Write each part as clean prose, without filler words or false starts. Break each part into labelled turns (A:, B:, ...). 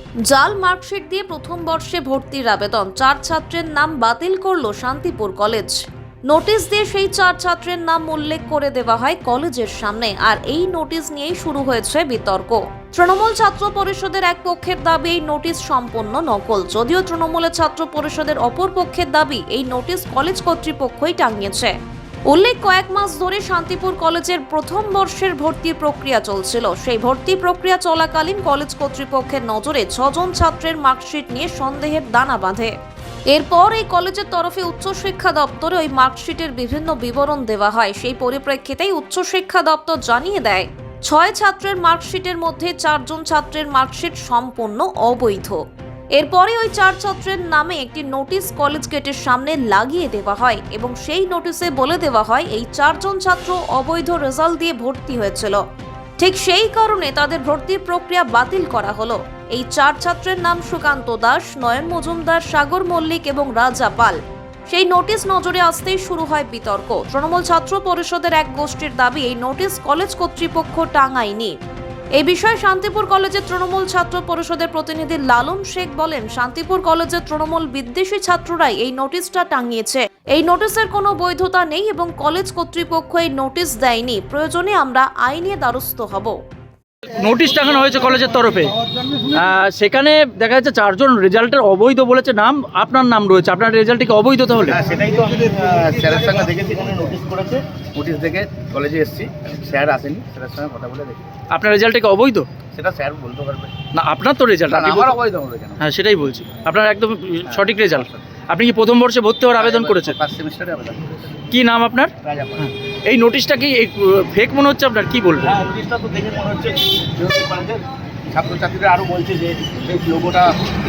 A: জাল মার্কশিট দিয়ে প্রথম বর্ষে ভর্তির আবেদন, 4 ছাত্রের নাম বাতিল করল শান্তিপুর কলেজ। নোটিশ দিয়ে সেই 4 ছাত্রের নাম উল্লেখ করে দেওয়া হয় কলেজের সামনে, আর এই নোটিশ নিয়েই শুরু হয়েছে বিতর্ক। তৃণমূল ছাত্র পরিষদের এক পক্ষের দাবি এই নোটিশ সম্পূর্ণ নকল, যদিও তৃণমূলের ছাত্র পরিষদের অপর পক্ষের দাবি এই নোটিশ কলেজ কর্তৃপক্ষই টাঙিয়েছে। উল্লেখ, কয়েক মাস ধরে শান্তিপুর কলেজের প্রথম বর্ষের ভর্তির প্রক্রিয়া চলছিল। সেই ভর্তি প্রক্রিয়া চলাকালীন কলেজ কর্তৃপক্ষের নজরে 6 জন ছাত্রের মার্কশিট নিয়ে সন্দেহের দানা বাঁধে। এরপর এই কলেজের তরফে উচ্চশিক্ষা দপ্তরে ওই মার্কশিটের বিভিন্ন বিবরণ দেওয়া হয়। সেই পরিপ্রেক্ষিতেই উচ্চশিক্ষা দপ্তর জানিয়ে দেয় 6 ছাত্রের মার্কশিটের মধ্যে 4 জন ছাত্রের মার্কশিট সম্পূর্ণ অবৈধ। এরপরে ওই 4 ছাত্রের নামে একটি নোটিশ কলেজ গেটের সামনে লাগিয়ে দেওয়া হয় এবং সেই নোটিশে বলে দেওয়া হয় এই 4 জন ছাত্র অবৈধ রেজাল্ট দিয়ে ভর্তি হয়েছিল। ঠিক সেই কারণে তাদের ভর্তির প্রক্রিয়া বাতিল করা হলো। এই 4 ছাত্রের নাম সুকান্ত দাস, নয়ন মজুমদার, সাগর মল্লিক এবং রাজা পাল। সেই নোটিশ নজরে আসতেই শুরু হয় বিতর্ক। তৃণমূল ছাত্র পরিষদের এক গোষ্ঠীর দাবি এই নোটিশ কলেজ কর্তৃপক্ষ টাঙায়নি। এই বিষয়ে শান্তিপুর কলেজের তৃণমূল ছাত্র পরিষদের প্রতিনিধি লালন শেখ বলেন, শান্তিপুর কলেজের তৃণমূল বিদ্বেষী ছাত্ররাই এই নোটিশটা টাঙিয়েছে। এই নোটিশের কোনো বৈধতা নেই এবং কলেজ কর্তৃপক্ষ এই নোটিশ দেয়নি। প্রয়োজনে আমরা আইনি দ্বারস্থ হব।
B: নোটিশ টাঙানো হয়েছে কলেজের তরফে, সেখানে দেখা যাচ্ছে 4 জন রেজাল্টের অবৈধ বলেছে নাম, আপনার নাম রয়েছে, আপনার রেজাল্ট কি অবৈধ তাহলে?
C: হ্যাঁ, সেটাই তো আমি স্যারের সঙ্গে দেখেছি, এখানে নোটিশ করেছে, নোটিশ দেখে কলেজে এসেছি, স্যার আসেনি, স্যারের সঙ্গে কথা বলে দেখি।
B: আপনার রেজাল্ট কি অবৈধ?
C: সেটা স্যার বলতে পারবে
B: না, আপনার তো রেজাল্ট
C: আমার অবৈধ হবে কেন?
B: হ্যাঁ, সেটাই বলছি, আপনার একদম সঠিক রেজাল্ট। আপনি কি প্রথম বর্ষে ভর্তি হওয়ার আবেদন করেছেন?
C: ফার্স্ট সেমিস্টারে আবেদন করেছি।
B: কি নাম আপনার?
C: রাজা পাল।
B: এই নোটিশটা কি ফেক মনে হচ্ছে আপনার, কি বলবেন?
C: হ্যাঁ, নোটিশটা তো দেখে মনে হচ্ছে কলেজের ছাত্রছাত্রীরা আরও বলছে যে এই লোগোটা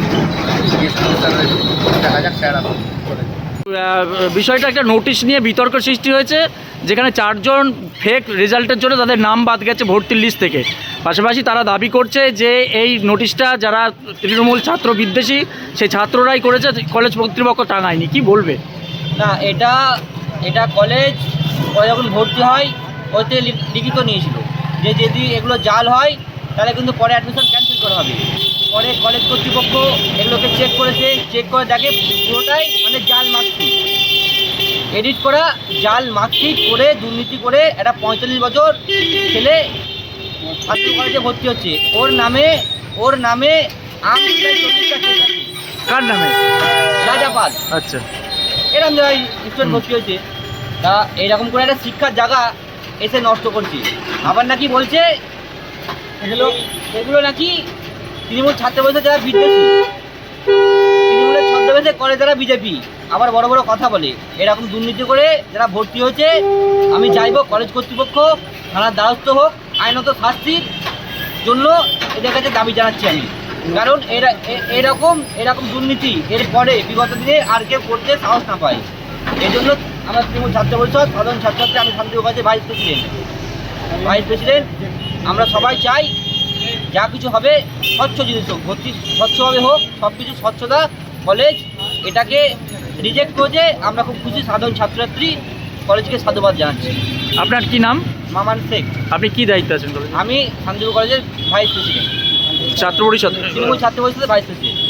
C: দেখা যাক, স্যার আসুন।
B: বিষয়টা একটা নোটিশ নিয়ে বিতর্ক সৃষ্টি হয়েছে, যেখানে 4 জন ফেক রেজাল্টের জন্য তাদের নাম বাদ গেছে ভর্তির লিস্ট থেকে। পাশাপাশি তারা দাবি করছে যে এই নোটিশটা যারা তৃণমূল ছাত্র বিদ্বেষী সেই ছাত্ররাই করেছে, কলেজ কর্তৃপক্ষ টাঙায়নি। কি বলবে?
D: না, এটা কলেজ যখন ভর্তি হয় ওতে লিখিত নিয়েছিল যে যদি এগুলো জাল হয় তাহলে কিন্তু পরে অ্যাডমিশন ক্যান্সেল করা হবে। পরে কলেজ কর্তৃপক্ষ এগুলোকে চেক করেছে, চেক করে দেখে পুরোটাই মানে জাল মার্কশিট, এডিট করা জাল মার্কশিট করে দুর্নীতি করে একটা 45 বছর ছেলে ছাত্র কলেজে ভর্তি হচ্ছে। ওর নামে
B: কার নামে?
D: রাজা পাল।
B: আচ্ছা,
D: এরকম জায়গায় স্টুডেন্ট ভর্তি হয়েছে। তা এইরকম করে একটা শিক্ষার জায়গা এসে নষ্ট করছে। আবার নাকি বলছে এগুলো নাকি তৃণমূল ছাত্র পরিষদ যারা বিদ্বেষী, তৃণমূলের ছদ্মবেশে করে যারা বিজেপি, আবার বড় বড় কথা বলে। এরকম দুর্নীতি করে যারা ভর্তি হয়েছে, আমি চাইবো কলেজ কর্তৃপক্ষ থানার দ্বারস্থ হোক, আইনত শাস্তির জন্য এদের কাছে দাবি জানাচ্ছি আমি। কারণ এরকম দুর্নীতি এরপরে বিগত দিনে আর কেউ করতে সাহস না পায়। এই জন্য আমরা তৃণমূল ছাত্র পরিষদ সাধারণ ছাত্রছাত্রী, আমি শান্তিপুর কলেজের ভাইস প্রেসিডেন্ট, আমরা সবাই চাই যা কিছু হবে স্বচ্ছ জিনিস হোক, ভর্তি স্বচ্ছভাবে হোক, সব কিছু স্বচ্ছতা। কলেজ এটাকে রিজেক্ট করেছে, আমরা খুব খুশি। সাধারণ ছাত্রছাত্রী কলেজকে সাধুবাদ জানাচ্ছি।
B: আপনার কি নাম?
D: মামান শেখ।
B: আপনি কি দায়িত্ব আছেন কলেজে?
D: আমি শান্তিপুর কলেজের ভাইস প্রেসিডেন্ট,
B: ছাত্র পরিষদ,
D: তৃণমূল ছাত্র পরিষদের ভাইস প্রেসিডেন্ট।